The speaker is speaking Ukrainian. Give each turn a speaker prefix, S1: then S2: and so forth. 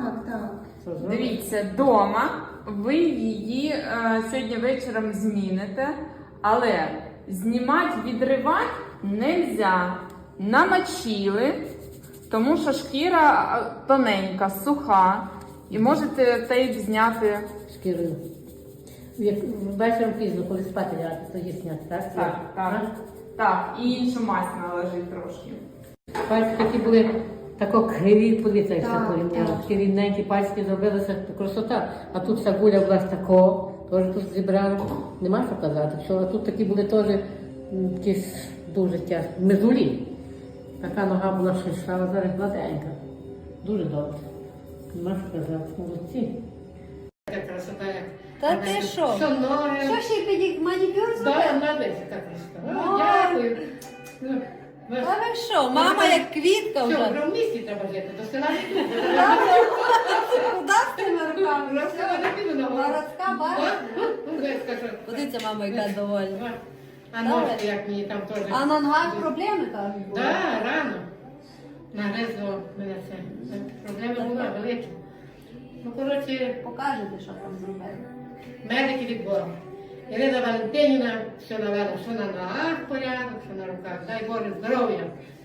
S1: так.
S2: Дивіться, вдома ви її сьогодні вечором зміните, але знімати, відривати не можна. Намочили, тому що шкіра тоненька, суха, і можете тейп зняти
S3: Шкірою. Вечором пізно, коли спати лягати, тоді зняти, так?
S2: Так. Так, і іншу мазь наложити трошки.
S3: Пальці такі були тако криві, подивіться, як
S1: Так,
S3: все порівняно.
S1: так.
S3: Такі рівненькі пальці зробилися, красота. А тут вся гуля була тако, теж тут зібрали. Нема що казати. Що, а тут такі були теж якісь дуже тяжкі. Мезулі. Така нога була шишава, зараз гладенька. Дуже добре. Нема що казати. Молодці. Така красота, як...
S4: Та ти що?
S3: Що ноги?
S4: Що ще манікюр
S3: Так,
S4: зробив?
S3: молодець, така красота.
S4: Ой.
S3: Дякую.
S4: Та ви що, мама як квітка
S3: Що,
S4: вже.
S3: вже в місті треба жити, до села не піду.
S4: Куди з тими руками?
S3: До села не піду на гору.
S4: Городська баба.
S3: Подивіться,
S4: Подивіться, мама, яка довольна.
S3: а ножки, як мені там теж.
S4: А на ногах проблеми кажуть були?
S3: Так, рано. Нагризло мене це. Проблема була велика. Ну, коротше,
S4: Покажете, що там зробили.
S3: медики від Бога. Ірина Валентинівна все навела, що на ногах порядок, що на руках. Дай Боже здоров'я.